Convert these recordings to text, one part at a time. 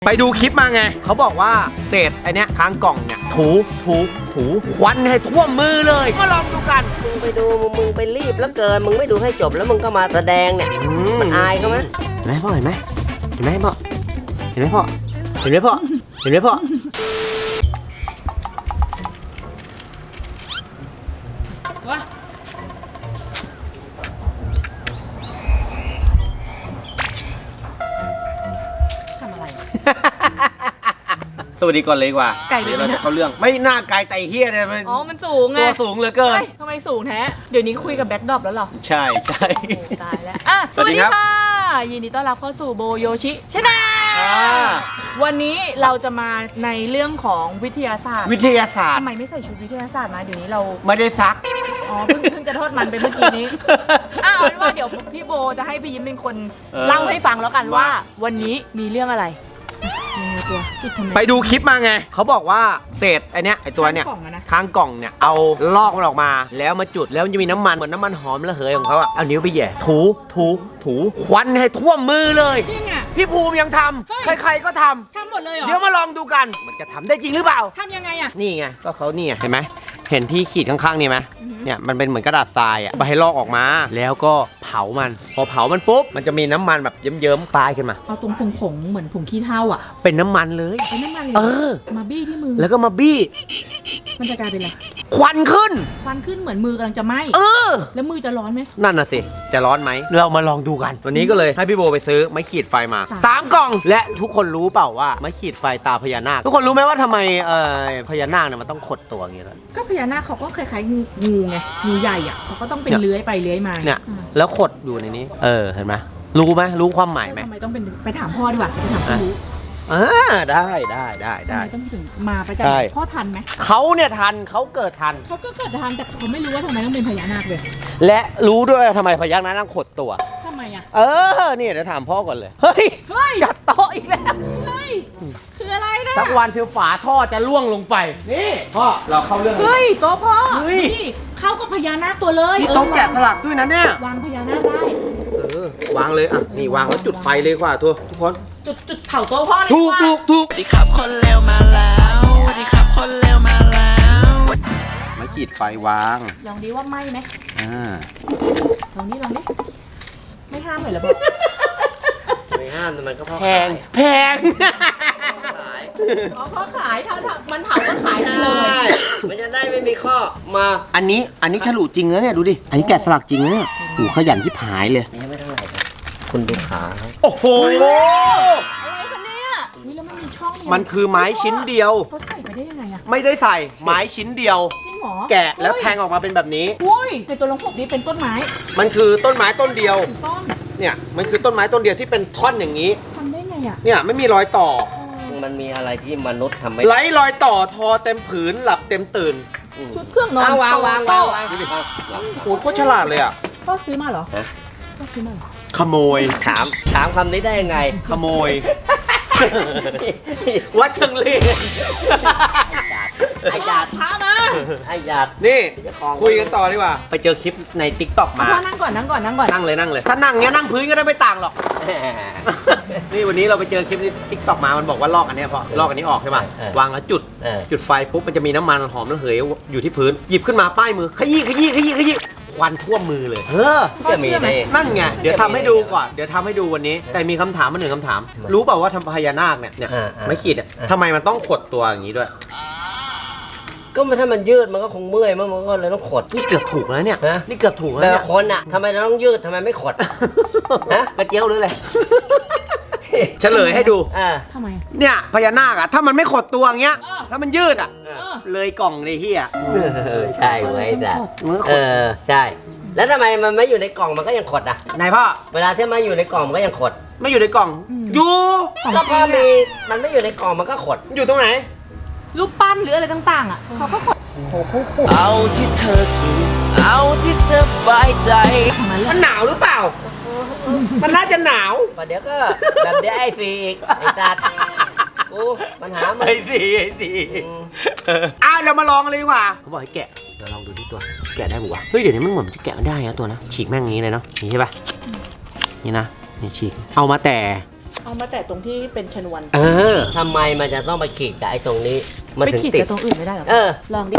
ไปดูคลิปมาไงเขาบอกว่าเศษไอเนี้ยค้างกล่องเนี่ยถูควันให้ท่วมมือเลยก็ลองดูกันมึงไปดูมึงไปรีบแล้วเกินมึงไม่ดูให้จบแล้วมึงก็มาแสดงเนี่ยมันอายเขาไหมเห็นไหมพ่อเห็นไหมพ่อเห็นไหมพ่อเห็นไหมพ่อเห็นไหมพ่อทำอะไรสวัสดีก่อนเลยดีกว่าไก่เลยนะเราจะเข้าเรื่องไม่น่าไกลไตเฮียเนี่ยอ๋อมันสูงไงตัวสูงเหลือเกินทำไมสูงแท้เดี๋ยวนี้คุยกับแบ็คดรอปแล้วเหรอใช่ตายแล้วอ่ะสวัสดีค่ะยินดีต้อนรับเข้าสู่โบโยชิชาแนลวันนี้เราจะมาในเรื่องของวิทยาศาสตร์ทำไมไม่ใส่ชุดวิทยาศาสตร์มาเดี๋ยวนี้เราไม่ได้ซักอ๋อเพิ่งจะทอดมันไปเมื่อกี้นี้เอาเป็นว่าเดี๋ยวพี่โบจะให้พี่ยิ้มเป็นคนเล่าให้ฟังแล้วกันว่าวันนี้มีเรื่องอะไรไปดูคลิปมาไงเขาบอกว่าเศษไอเนี้ยไอตัวเนี้ยค้างกล่องเนี่ยเอาลอกมันออกมาแล้วมาจุดแล้วมันจะมีน้ำมันเหมือนน้ำมันหอมระเหยของเขาอะเอานิ้วไปแย่ถูควันให้ท่วมมือเลยจริงอะพี่ภูมิยังทำใครๆก็ทำหมดเลยเหรอเดี๋ยวมาลองดูกันมันจะทำได้จริงหรือเปล่าทำยังไงอะนี่ไงก็เขานี่เห็นไหมเห็นที่ขีดข้างๆนี่ไหมเนี่ยมันเป็นเหมือนกระดาษทรายอ่ะไปให้ลอกออกมาแล้วก็เผามันพอเผามันปุ๊บมันจะมีน้ำมันแบบเยิ้มๆปลายขึ้นมาเอาตรงผงเหมือนผงขี้เถ้าอ่ะเป็นน้ำมันเลยมาบี้ที่มือแล้วก็มาบี้มันจะกลายเป็นอะไรควันขึ้นเหมือนมือกำลังจะไหม้แล้วมือจะร้อนไหมนั่นน่ะสิจะร้อนไหมเรามาลองดูกันวันนี้ก็เลยให้พี่โบไปซื้อไม้ขีดไฟมา3 กล่องและทุกคนรู้เปล่าว่าไม้ขีดไฟตาพญานาคทุกคนรู้ไหมว่าทำไมพญานาคเนี่ยมันต้องขดตัวอย่างเงี้ยก็พญานาคเขาก็คล้ายๆงูไงงูใหญ่อ่ะเขาก็ต้องเป็นเลื้อยไปเลื้อยมาเนี่ยแล้วขดอยู่ในนี้เห็นไหมรู้ความหมายไหมทำไมต้องเป็นไปถามพ่อดีกว่าไปถามพ่อรู้ได้ต้องถึงมาประจำพ่อทันไหมเขาเนี่ยทันเขาเกิดทันเขาก็เกิดทันแต่เขาไม่รู้ว่าทำไมต้องเป็นพญานาคเลยและรู้ด้วยทำไมพญานาคต้องขดตัวทำไมอ่ะนี่เดี๋ยวถามพ่อก่อนเลยเฮ้ยจัดโต๊ะอีกแล้วคืออะไรนะสักวันเที่ยวฝาท่อจะล่วงลงไปนี่พ่อเราเข้าเรื่องโต๊ะพ่อนี่เข้ากับพญานาคตัวเลยโต๊ะแกะสลักด้วยนะเนี่ยวางพญานาคได้วางเลยนี่วางแล้วจุดไฟเลยกว่าทุกคนจุดเผาโต๊ะพ่อเลยถูกสวัสดีครับคนเร็วมาแล้วสวัสดีครับคนเร็วมาแล้วมาขีดไฟวางลองดีว่าไหม้ไหมลองดิไม่ห้ามเลยเหรอไม่ห้ามแต่มันก็แพงพ่อขายถ้ามันเผาก็ขายเลยมันจะได้ไม่มีข้อมาอันนี้ฉลุจริงนะเนี่ยดูดิอันนี้แกะสลักจริงนะเนี่ยขยันที่ผายเลยนี่ไม่เท่าไหร่คุณดูขาโอ้โหอะไรคะเนี่ยแล้วมันมีช่องมันคือไม้ชิ้นเดียวเขาใส่ไปได้ยังไงอะไม่ได้ใส่ไม้ชิ้นเดียวจริงเหรอแกะแล้วแทงออกมาเป็นแบบนี้ในตัวลงพวกนี้เป็นต้นไม้มันคือต้นไม้ต้นเดียวต้นเนี่ยมันคือต้นไม้ต้นเดียวที่เป็นท่อนอย่างนี้ทำได้ไงอะเนี่ยไม่มีรอยต่อมันมีอะไรที่มนุษย์ทำไม่ไร้รอยต่อทอเต็มผืนหลับเต็มตื่นชุดเครื่องนอนวางโอ้โหโคตรฉลาดเลยอ่ะพ่อซื้อมาเหรอพ่อซื้อมาเหรอขโมยถามคำนี้ได้ยังไงขโมยวัดเชิงเลไอ้หยาดพามาไอ้หยาดนี่คุยกันต่อดีกว่าไปเจอคลิปใน TikTok มานั่งก่อนนั่งเลยถ้านั่งเงี้ยนั่งพื้นก็ได้ไม่ต่างหรอกนี่วันนี้เราไปเจอคลิปใน TikTok มามันบอกว่าลอกอันนี้พอลอกอันนี้ออกใช่ป่ะวางแล้วจุดไฟปุ๊บมันจะมีน้ำมันหอมระเหยอยู่ที่พื้นหยิบขึ้นมาป้ายมือขยี้ควันท่วมมือเลยจะมีนั่นไงเดี๋ยวทำให้ดูก่อนเดี๋ยวทำให้ดูวันนี้แต่มีคำถามมาหนึ่งคำถามรู้เปล่าว่าทำพญานาคเนี่ยไม่ขีดเนี่ยทำไมมันต้องขดตัวอย่างนี้ด้วยก็ถ้ามันยืดมันก็คงเมื่อยมันก็เลยต้องขดนี่เกือบถูกแล้วเนี่ยนี่เกือบถูกแล้วแต่คนอะทำไมเราต้องยืดทำไมไม่ขดกระเจียวหรืออะไรเฉลยให้ดูทำไมเนี่ยพญานาคอะถ้ามันไม่ขดตัวอย่างเงี้ยถ้ามันยืดอะเลยกล่องเลยเฮียใช่ไหมแต่ใช่แล้วทำไมมันไม่อยู่ในกล่องมันก็ยังขดอ่ะนายพ่อเวลาที่มาอยู่ในกล่องมันก็ยังขดไม่อยู่ในกล่องอยู่ก็พอมีมันไม่อยู่ในกล่องมันก็ขดอยู่ตรงไหนรูปปั้นหรืออะไรต่างๆอ่ะเขาก็ขดเอาที่เธอสูเอาที่สบายใจมันหนาวหรือเปล่ามันน่าจะหนาวเดี๋ยวก็แบบเดี๋ยวไอ้ฟีอีกไอ้จัดปัญหาไอ้สีเรามาลองเลยดีกว่าเขาบอกให้แกะเดี๋ยวลองดูที่ตัวแกะได้ปะวะเฮ้ยเดี๋ยวนี้มันเหมือนจะแกะไม่ได้นะตัวนะฉีกแม่งงี้เลยเนาะนี่ใช่ปะนี่นะนี่ฉีกเอามาแต่เอามาแต่ตรงที่เป็นชนวนทำไมมันจะต้องไปขีดกับไอ้ตรงนี้มันไปถึงขีดติดกับตรงอื่นไม่ได้หรอ ลองดิ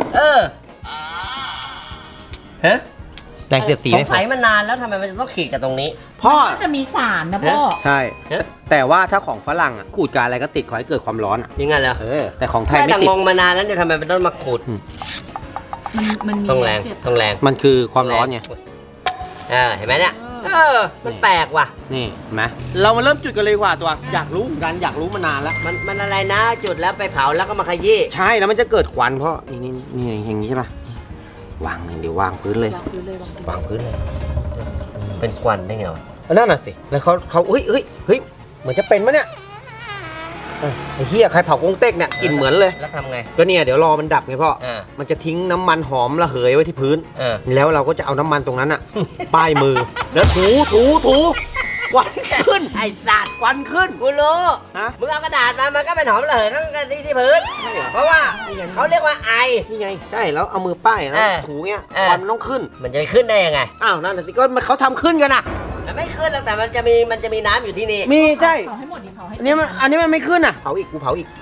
ฮะแตกเสียดสีสงสัยมานานแล้วทำไมมันจะต้องขีดกับตรงนี้พ่อก็จะมีสารนะพ่อใช่ แต่ว่าถ้าของฝรั่งอ่ะขูดกับอะไรก็ติดขอให้เกิดความร้อนอ่ะยังไงเหรอแต่ของไทยไม่ไม่แต่ติดงงมานานแล้วเนี่ยทำไมมันต้องมาขูดมันมีต้องแรงเจ็บต้องแรงมันคือความร้อนไงเห็นไหมเนี่ยมันแปลกว่ะนี่เห็นไหมเรามาเริ่มจุดกันเลยดีกว่าตัว อยากรู้เหมือนกันอยากรู้มานานแล้วมันอะไรนะจุดแล้วไปเผาแล้วก็มาขยี้ใช่แล้วมันจะเกิดควันเพราะนี่อย่างนี้ใช่ปะวางเดี๋ยววางพื้นเลยวางพื้นเลยวางพื้นวางพื้นเลยเป็นควันได้ไงวะนั่นน่ะสิแล้วเขาเฮ้ยเหมือนจะเป็นมะเนี่ยไอ้เหี้ยใครเผากงเต็กเนี่ยกลิ่นเหมือนเลยแล้วทำไงก็เนี่ยเดี๋ยวรอมันดับไงพ่อ มันจะทิ้งน้ำมันหอมระเหยไว้ที่พื้น แล้วเราก็จะเอาน้ำมันตรงนั้นอะ ป้ายมือ แล้วถูควันขึ้นไอ้สัตว์ควันขึ้นกูรู้ฮะมึงเอากระดาษมามันก็เป็นหอมระเหยทั้งกันที่พื้น เพราะว่าเขาเรียกว่าไอนี่ไงใช่แล้วเอามือป้ายแล้วถูเงี้ยควันมันต้องขึ้นมันจะขึ้นได้ยังไงอ้าวนั่นน่ะสิก็เขาทำขึ้นกันอะมันไม่ขึ้นแล้วแต่มันจะมีน้ำอยู่ที่นี่มีใช่เผาให้หมดดิเผาให้อันนี้มันไม่ขึ้นอะเผาอีกกูเผาอีก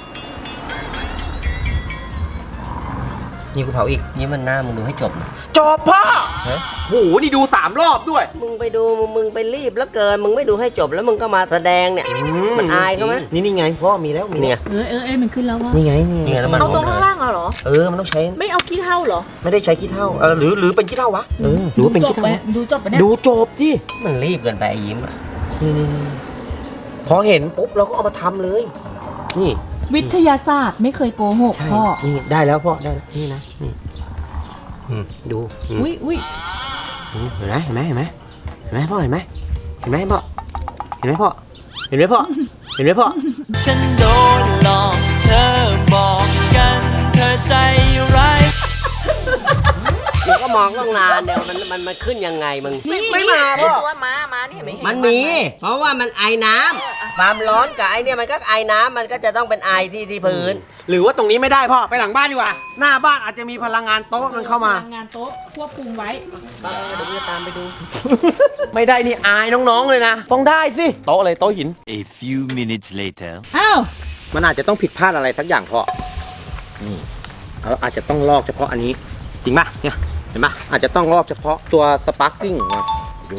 นี่กูเผาอีกนี่มันหน้ามึงดูให้จบนะจบพ่อฮะโหนี่ดู3 รอบด้วยมึงไปดูมึงไปรีบแล้วเกินมึงไม่ดูให้จบแล้วมึงก็มาแสดงเนี่ย มันอายเขาไหมนี่ไงพ่อมีแล้วมีนี่ไงมันขึ้นแล้วว่ะนี่ไงนี่ไงน้ำมันเอาตรงข้างล่างเหรอมันต้องใช้ไม่เอาขี้เท่าเหรอไม่ได้ใช้ขี้เถ้าหรือเป็นขี้เถ้าวะหรือว่าเป็นขี้เถ้าดูจบไปเนี่ยดูจบที่มันรีบเกินไปไอ้ยิ้มอะนี่พอเห็นปุ๊บเราก็เอามาทำเลย นี่วิทยาศาสตร์ไม่เคยโกหกพ่อนี่ได้แล้วพ่อได้แล้วนี่นะนี่ดูอุ้ยเห็นไหมพ่อเห็นไหมพ่อเห็นไหมพ่อเห็นไหมพ่อเห็นไหมพ่อฉันโดนหลอกเธอบอกกันเธอใจร้ายมึงก็มองตั้งนานเดี๋ยวมันขึ้นยังไงมึงไม่มาพ่อตัวมานี่เห็นไหมมันมี เพราะว่ามันไอน้ำความร้อนกับไอเนี่ยมันก็ไอน้ำมันก็จะต้องเป็นไอที่พื้นหรือว่าตรงนี้ไม่ได้พ่อไปหลังบ้านดีกว่าหน้าบ้านอาจจะมีพลังงานโต๊ะมันเข้ามาพลังงานโต๊ะควบคุมไว้เดี๋ยวกูจะตามไปดูไม่ได้นี่อายน้องๆเลยนะต้องได้สิโต๊ะเลยโต๊ะหิน A few minutes later อ้าวมันอาจจะต้องผิดพลาดอะไรสักอย่างพ่อนี่เราอาจจะต้องลอกเฉพาะอันนี้จริงป่ะเนี่ยเห็นป่ะอาจจะต้องลอกเฉพาะตัวสปาร์คกิ้งดู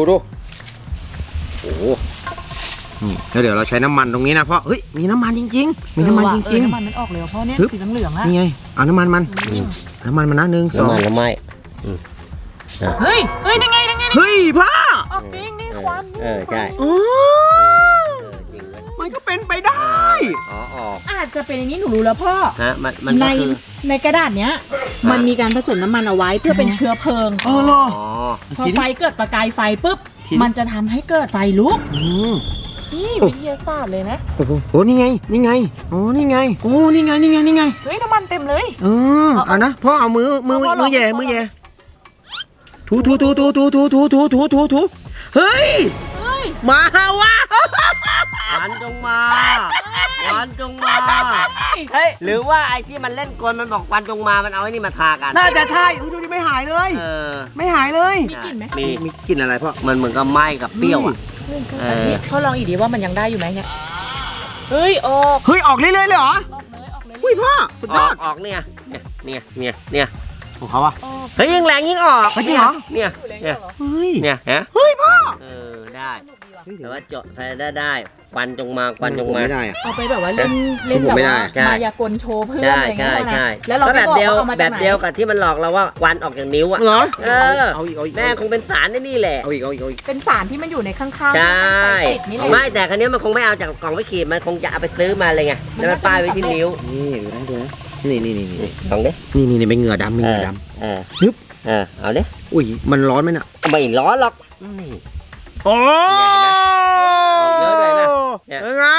โอ้โหนี่แล้วเดี๋ยวเราใช้น้ำมันตรงนี้นะพ่อเฮ้ยมีน้ำมันจริงๆมีน้ำมันจริงน้ำมันมันออกเลยเพราะเนี่ยฮึบสีเหลืองๆแล้วๆนี่ไงเอาน้ำมันมันน้ำมันมันนะ1 2 น้ำมันแล้วไหมเฮ้ยนั่งไงเฮ้ยพ่อออกจริงนี่ควันใช่อ๋อจริงเลยมันก็เป็นไปได้อ๋ออาจจะเป็นอย่างนี้หนูรู้แล้วพ่อฮะมันในก็คือในกระดาษเนี้ย มันมีการผสมน้ำมันเอาไว้เพื่อเป็นเชื้อเพลิงอ๋อเหรออ๋อพอไฟเกิดประกายไฟปุ๊บทีนี้มันจะทำให้เกิดไฟลุกอืมนี่วิทยาศาสตร์เลยนะโอ้โหนี่ไงโอ้นี่ไงนี่ไงเฮ้ยน้ำมันเต็มเลยเอานะพ่อเอามือแย่ถูเฮ้ยมาวะหวานจงมาเฮ้ยหรือว่าไอ้ที่มันเล่นกลมันบอกควันจงมามันเอาไอ้นี่มาทากันน่าจะใช่ดูดิไม่หายเลย ไม่หายเลยมีกลิ่นไหมนี่มีกลิ่นอะไรพ่อมันเหมือนกับไหม้กับเปรี้ยวอ่ะเขาลองอีกดีว่ามันยังได้อยู่ไหมเนี่ยเฮ้ยออกเฮ้ยออกเรื่อยๆเลยเหรอออกเลยอุ้ยพ่อสุดยอดออกเนี่ยของเขาอะออกเฮ้ยยิ่งแรงยิ่งออกจริงเหรอเนี่ยอยู่เลยเนี่ยเหรอเฮ้ยเนี่ยฮะเฮ้ยพ่อได้สนุกดีว่ะแต่ว่าเจาะไฟได้ควันจงมาควันจงมาไม่ได้อะเอาไปแบบว่าเล่นผมแบบไม่ได้ว่าใช่มายากลโชว์เพื่อนใช่อะไรเงี้ยใช่นะแล้วเราก็ไม่แบบบอกเดียวว่าเอามาแบจากบไหนเดียวกับที่มันหลอกเราว่าควันออกจากนิ้วอ่ะเหรอเอาอีกแม่คงเป็นสารนี่แหละเอาอีกเป็นสารที่มันอยู่ในข้างๆใช่ไฟติดนี่แหละไม่แต่ครั้นี้มันคงไม่เอาจากกล่องไว้ขีดมันคงจะเอาไปซื้อมาเลยไงแล้วมันป้ายไว้ที่นิ้วนี่ดูนะนี่ลองดินี่เป็นเหงื่อดำเป็นเหงื่อด ฮึบเอาดิำอุ้ยมันร้อนไหมน่ะไม่ร้อนหรอกนี่โอ้เยอะเลยนะเนี่ยยังไง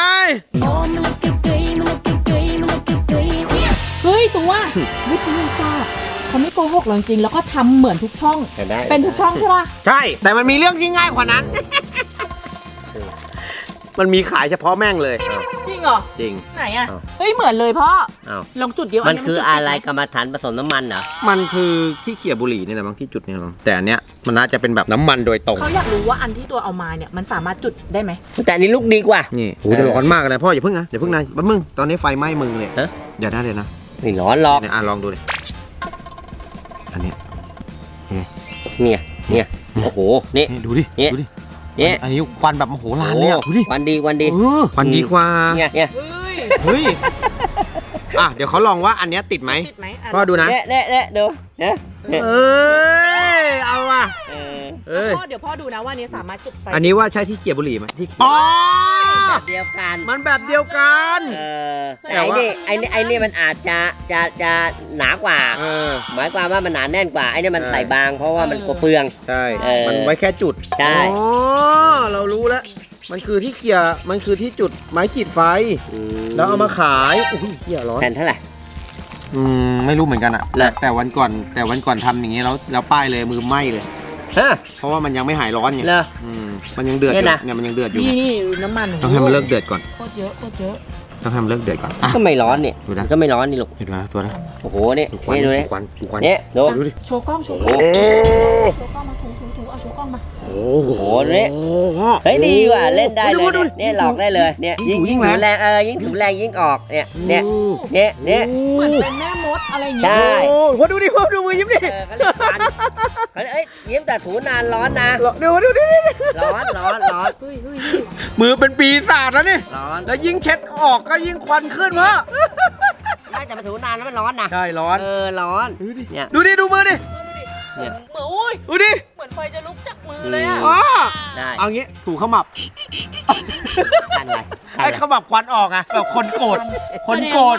เฮ้ยตัววิทยาศาสตร์เขาไม่โกหกเราจริงๆแล้วก็ทำเหมือนทุกช่องได้เป็นทุกช่องใช่ป่ะใช่แต่มันมีเรื่องที่ง่ายกว่านั้นมันมีขายเฉพาะแม่งเลยจริงเหรอจริงไหนอะเฮ้ยเหมือนเลยพ่ออ้าวลองจุดเดียวมันคืออะไรจุดกรรมฐานผสมน้ำมันเหรอมันคือที่เขี่ยบุหรี่นี่แหละบางที่จุดนี่แหละมั้งแต่อันเนี้ยมันน่าจะเป็นแบบน้ำมันโดยตรงเขาอยากรู้ว่าอันที่ตัวเอามาเนี่ยมันสามารถจุดได้ไหมแต่อันนี้ลูกดีกว่านี่โหจะร้อนมากเลยพ่ออย่าเพิ่งนะอย่าเพิ่งนะแป๊บมึงตอนนี้ไฟไหม้มือเลยฮะอย่าได้เลยนะไม่ร้อนหรอกเนี่ยลองดูเลยอันเนี้ยเนี่ยโอ้โหนี่นี่ดูดิเนี่ยดูดิเนี่ยอันนี้ควันแบบมโหฬารเลยอ่ะดูดิควันดีควันดีควันดีกว่าเนี่ยเฮ้ยเฮ้ยอ่ะเดี๋ยวเขาลองว่าอันเนี้ยติดไหมติดไหมอ่ะพ่อดูนะเนี่ยดูเนี่ยเอ้ยเอาอ่ะเอ้ยพ่อเดี๋ยวพ่อดูนะว่าอันนี้สามารถจุดไฟอันนี้ว่าใช่ที่เขี่ยบุหรี่ไหมที่อ๋อแบบเดียวกันมันแบบเดียวกันแต่ไอ้นี่มันอาจจะหนากว่า หมายความว่ามันหนาแน่นกว่าไอ้นี่มันใส่บางเพราะว่ามันกลัวเปลืองใช่เออมันไว้แค่จุดใช่อ๋อเรารู้แล้วมันคือที่เขี่ยมันคือที่จุดไม้ขีดไฟ แล้วเอามาขายอุ้ยเขี่ยร้อนแผ่นเท่าไหร่ไม่รู้เหมือนกันอะเหรอแต่วันก่อนทำอย่างงี้แล้วป้ายเลยมือไหม้เลยฮะเพราะว่ามันยังไม่หายร้อนไงเหรอมันยังเดือดอเนี่ยู่ยนะเนี่ยมันยังเดือดอยู่นี่น้ำมันต้องให้มันเลิกเดือดก่อนโคตรเยอะโคตรเยอะต้องให้มันเลิกเดือดก่อนอ่ะก็ไม่ร้อนนี่ดูนะมันก็ไม่ร้อนนี่ลูกเห็นไหมตัวนะโอ้โหนี่ดูควันนี่ดูดูนี่ควันดูควันเนี่ยดูดูดิโชว์กล้องโชว์กโอ้ล้องโหโชว์กล้องมาถูเอาโชว์กล้องมาโอ้โหเนี่ย เฮ้ยดีว่ะเล่นได้เลยดูเนี่ยหลอกได้เลยเนี่ยยิ่งยิ่งถือแรแรง งยิ่งถือแรงยิ่งออกเนี่ยเนี่ยเหมือนเป็นแม่มดอะไรอย่างใช่เงี้ยโอ้โหดูดิพ่อดูมือยิ้มดิเขาเรียกฟันเอ้ยยิ้มแต่ถูนานร้อนนะดูดิร้อนเฮ้ยมือเป็นปีศาจแล้วนี่ร้อนแล้วยิ่งเช็ดออกก็ยิ่งควันขึ้นวะไม่แต่มาถูนานแล้วมันร้อนนะใช่ร้อนร้อนเนี่ยดูดิดูมือดิเหมือนอุ้ยดูดิเหมือนไฟจะลุกจากมือเลยอ่ะอ๋อได้เอางี้ถูขมับทันไรไอ้ขมับควันออกอะแบบคนโกรธคนโกรธ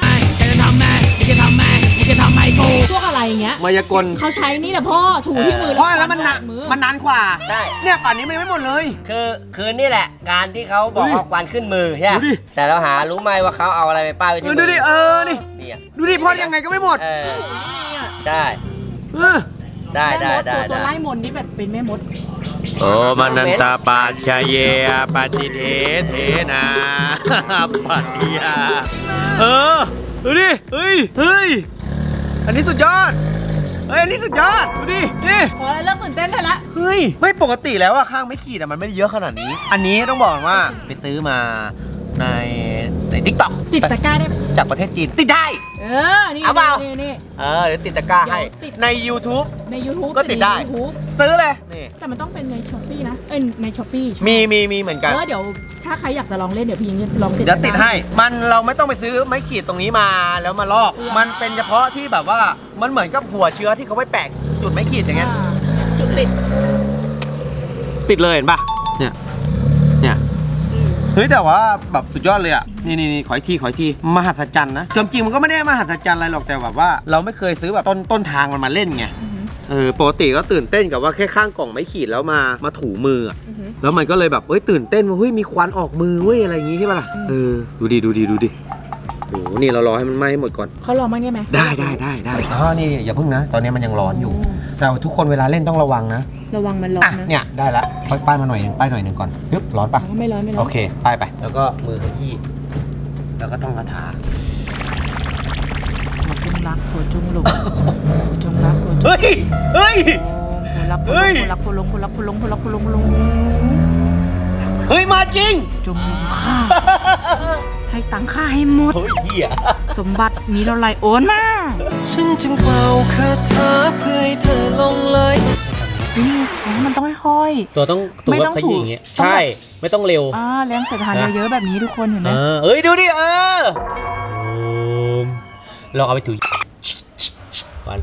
พวกอะไรอย่างเงี้ยมายากลเขาใช้นี่แหละพ่อถูที่มือเพราะแล้วมันนานมือมันนานกว่าใช่เนี่ยป่านนี้มันยังไม่หมดเลยคือนี่แหละ การที่เขาบอกดูดิเอาควันขึ้นมือใช่ไหมดูดิแต่เราหารู้ไหมว่าเขาเอาอะไรไปป้ายไว้ที่มืดูดินี่เนี่ยดูดิพ่อยังไงก็ไม่หมดได้เออได้แม่มด ตัวได้ไล่มนต์นี่แบบเป็นแม่มดโอ้มานันตาปัจจเยปัจจิเทเทนาปัจจิยาดูดิเฮ้ยอันนี้สุดยอดอันนี้สุดยอดดูดินี่พอแล้วเริ่มตื่นเต้นได้ละเฮ้ยไม่ปกติแล้วอะข้างไม่ขีดอะมันไม่ได้เยอะขนาดนี้ อันนี้ต้องบอกว่าไปซื้อมาในทิกต็อกติดตะกร้าได้ไหมจากประเทศจีนติดได้นี่เอาเปล่านี่เดี๋ยวติดตะกร้าให้เดี๋ยวติดใน YouTube ใน YouTube ก็ติดได้ใน YouTube ซื้อเลยนี่แต่มันต้องเป็นในช้อปปี้นะในช้อปปี้มีเหมือนกันเดี๋ยวถ้าใครอยากจะลองเล่นเดี๋ยวพี่ยิงลองติดเดี๋ยวติดให้เราไม่ต้องไปซื้อไม้ขีดตรงนี้มาแล้วมาลอก มันเป็นเฉพาะที่แบบว่ามันเหมือนกับหัวเชื้อที่เขาไปแปะจุดไม้ขีดอย่างเงี้ยจุดติดติดเลยเห็นปะเนี่ยเฮ้ยแต่ว่าแบบสุดยอดเลยอ่ะนี่ขออีกทีมหัศจรรย์นะจริงๆมันก็ไม่ได้มหัศจรรย์อะไรหรอกแต่แบบว่าเราไม่เคยซื้อแบบต้นทางมันมาเล่นไงปกติก็ตื่นเต้นกับว่าแค่ข้างกล่องไม้ขีดแล้วมาถูมืออะแล้วมันก็เลยแบบตื่นเต้นว่าเฮ้ยมีควันออกมือเว้ยอะไรอย่างงี้ใช่ปะล่ะดูดิโอ้โหนี่เรารอให้มันไหม้ให้หมดก่อนเขาลองมั้างได้ไหมได้นี่อย่าเพิ่งนะตอนนี้มันยังร้อนอยู่แต่ทุกคนเวลาเล่นต้องระวังนะระวังมันร้อนนะเนี่ยได้ละค่อยป้ายมาหน่อยนึงก่อนปึ๊บร้อนปะไม่ร้อนโอเคป้ายไปแล้วก็มือขยี้แล้วก็ต้องคาถาจงรักหัวจงหลงจงรักหัวจงเฮ้ยรักเฮ้ยรักหัวลงเฮ้ยมาจริงจงลงข้าให้ตังค่าให้หมดเฮ้ยเหี้ยสมบัตินี้เราไล่โอนมาฉันจึงเป่าคาถาเพื่อให้เธอลงไหลมันต้องค่อยตัวต้องไม่ต้องขยี้ถูอย่างเงี้ยต้องใช่ไม่ต้องเร็วแรงเสียดทานเยอะๆแบบนี้ทุกคนเห็นไหมเอ้ยดูดิลองเอาไปถูวัน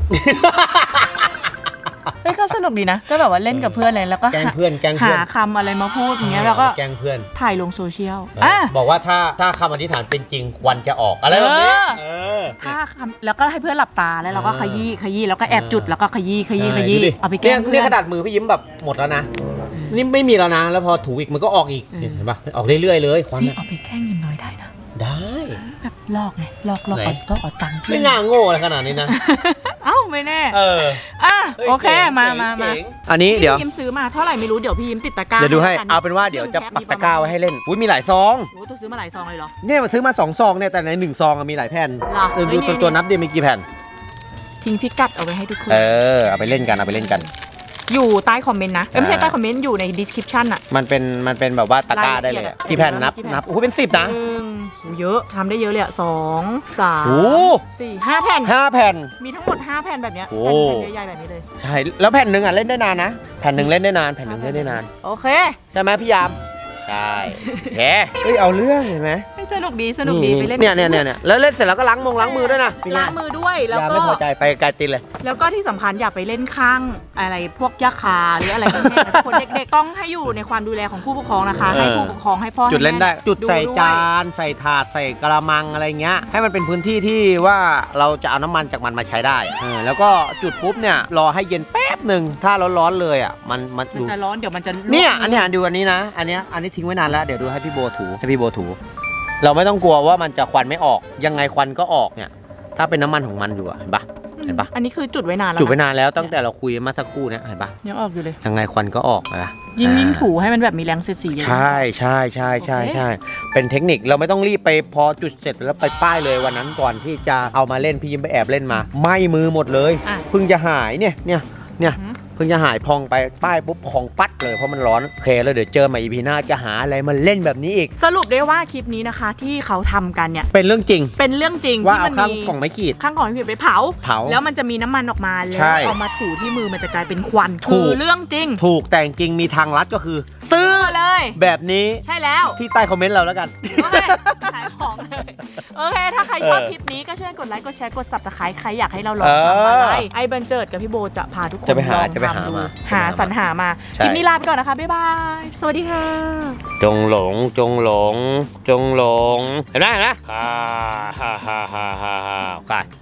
เฮ้ยก็สนุกดีนะก็แบบว่าเล่นกับเพื่อนอะไรแล้วก็แกล้งเพื่อนหาคำอะไรมาพูดอย่างเงี้ยแล้วก็แกล้งเพื่อนถ่ายลงโซเชียลบอกว่าถ้าคำอธิษฐานเป็นจริงควันจะออกอะไรแบบนี้ถ้าคำแล้วก็ให้เพื่อนหลับตาแล้วเราก็ขยี้แล้วก็แอบจุดแล้วก็ขยี้เอาไปแกล้งเพื่เนี่อย นขนาดมือพี่ยิ้มแบบหมดแล้วนะนี่ไม่มีแล้วนะแล้วพอถูอีกมันก็ออกอีกเห็นปะออกเรื่อยๆเลยควันนี่เอาไปแกล้งยิมน้อยได้นะได้แบบลอกไงลอกไหนก็เอาตังค์ไม่น่าโง่อะไรขนาดนี้นะเอ้าไม่แน่ฮ้ยโอเคจ๋งมาเจ๋งอันนี้เดี๋ยวพี่ยิ้มซื้อมาเท่าไหร่ไม่รู้เดี๋ยวพี่ยิ้มติดตะกร้าเดี๋ยวดูให้แล้วกัเอาเป็นว่าเดี๋ยวจะปักตะกร้าไว้ให้เล่นอุ้ยมีหลายซองโอ้ตัวซื้อมาหลายซองเลยเหรอเนี่ยมันซื้อมา2ซองเนี่ยแต่ใน1ซองมีหลายแผ่นเหรอดูเฮ้ยตัวนับดิมีกี่แผ่นทิ้งพิกัดเอาไว้ให้ทุกคนเอาไปเล่นกันเอาไปเล่นกันอยู่ใต้คอมเมนต์นะไม่ใช่ใต้คอมเมนต์อยู่ใน description อะมันเป็นแบบว่าตะกร้าได้เลยอะรายละเอียดอะกี่แผ่นนับกี่แผ่นนับโอ้โหเป็น10นะโอ้เยอะทำได้เยอะเลยอะ2 3 โอ้ 4 5 แผ่น 5 แผ่นมีทั้งหมด 5 แผ่นแบบเนี้ยโอ้แผ่นใหญ่ๆแบบนี้เลยใช่แล้วแผ่นหนึ่งอ่ะเล่นได้นานนะแผ่นหนึ่งเล่นได้นานแผ่นหนึ่งเล่นได้นานโอเคใช่ไหมพี่ยามใช่แหมเฮ้ยเอาเรื่องเห็นไหมสนุกดีสนุกดีไปเล่นเนี่ยแล้วเล่นเสร็จแล้วก็ล้างมือด้วยนะล้างมือด้วยแล้วยามก็ไม่พอใจไปไกลตินเลยแล้วก็ที่สำคัญอย่าไปเล่นข้างอะไรพวกยาคาหรืออะไรพวกนี้นะคนเด็กๆต้องให้อยู่ในความดูแลของผู้ปกครองนะคะ ให้ผู้ปกครองให้พ่อจุดเล่นได้ให้แม่จุดใส่วยจานใส่ถาดใส่กระมังอะไรเงี้ยให้มันเป็นพื้นที่ที่ว่าเราจะเอาน้ำมันจากมันมาใช้ได้แล้วก็จุดปุ๊บเนี่ยรอให้เย็นแป๊บหนึ่งถ้าร้อนๆเลยอ่ะมันมันดูจะร้อนเดี๋ยวมันจะลวกเนี่ยอันนี้ดูอันนี้นะอันนี้ทิ้งไว้นานแล้วเดี๋ยวดูให้พี่โบถูเราไม่ต้องกลัวว่ามันจะควันไม่ออกยังไงควันก็ออกเนี่ยถ้าเป็นน้ำมันของมันอยู่อะเห็นปะอันนี้คือจุดไว้นานแล้วจุดไว้นานแล้วตั้งแต่เราคุยมาสักครู่เนี่ยเห็นปะยังออกอยู่เลยยังไงควันก็ออกนะยิ่งถูให้มันแบบมีแรงเสียดสีเยอะใช่เป็นเทคนิคเราไม่ต้องรีบไปพอจุดเสร็จแล้วไปป้ายเลยวันนั้นก่อนที่จะเอามาเล่นพี่ยิ้มไปแอบเล่นมาไหม้มือหมดเลยอ่ะเพิ่งจะหายเนี่ยเพิ่งจะหายพองไปป้ายปุ๊บของปัดเลยเพราะมันร้อนโอเคแล้วเดี๋ยวเจอใหม่อีพีหน้าจะหาอะไรมาเล่นแบบนี้อีกสรุปได้ว่าคลิปนี้นะคะที่เขาทำกันเนี่ยเป็นเรื่องจริงเป็นเรื่องจริงว่าที่เอามันข้างมีของไม้ขีดข้างของที่ไปเผา แล้วมันจะมีน้ำมันออกมาแล้วใช่เอามาถูที่มือมันจะกลายเป็นควันถูคืกอเรื่องจริงถูกแต่จริงมีทางลัดก็คือ ซื้อเลยแบบนี้ใช่แล้วที่ใต้คอมเมนต์เราแล้วกันโอเคขายของเลยโอเค ถ้าใครชอบคลิปนี้ก็ช่วยกดไลค์กดแชร์กด subscribe ใครอยากให้เราลองทำอะไรไอ้เบนเจิดกับพี่โบจะพาทุกคนจะไปหาลองจะไปหาทำดูมาหาสรรหามาใช่คลิปนี้ลาไปก่อนนะคะ บ๊ายบาย สวัสดีค่ะจงหลงเห็นไหมค่ะ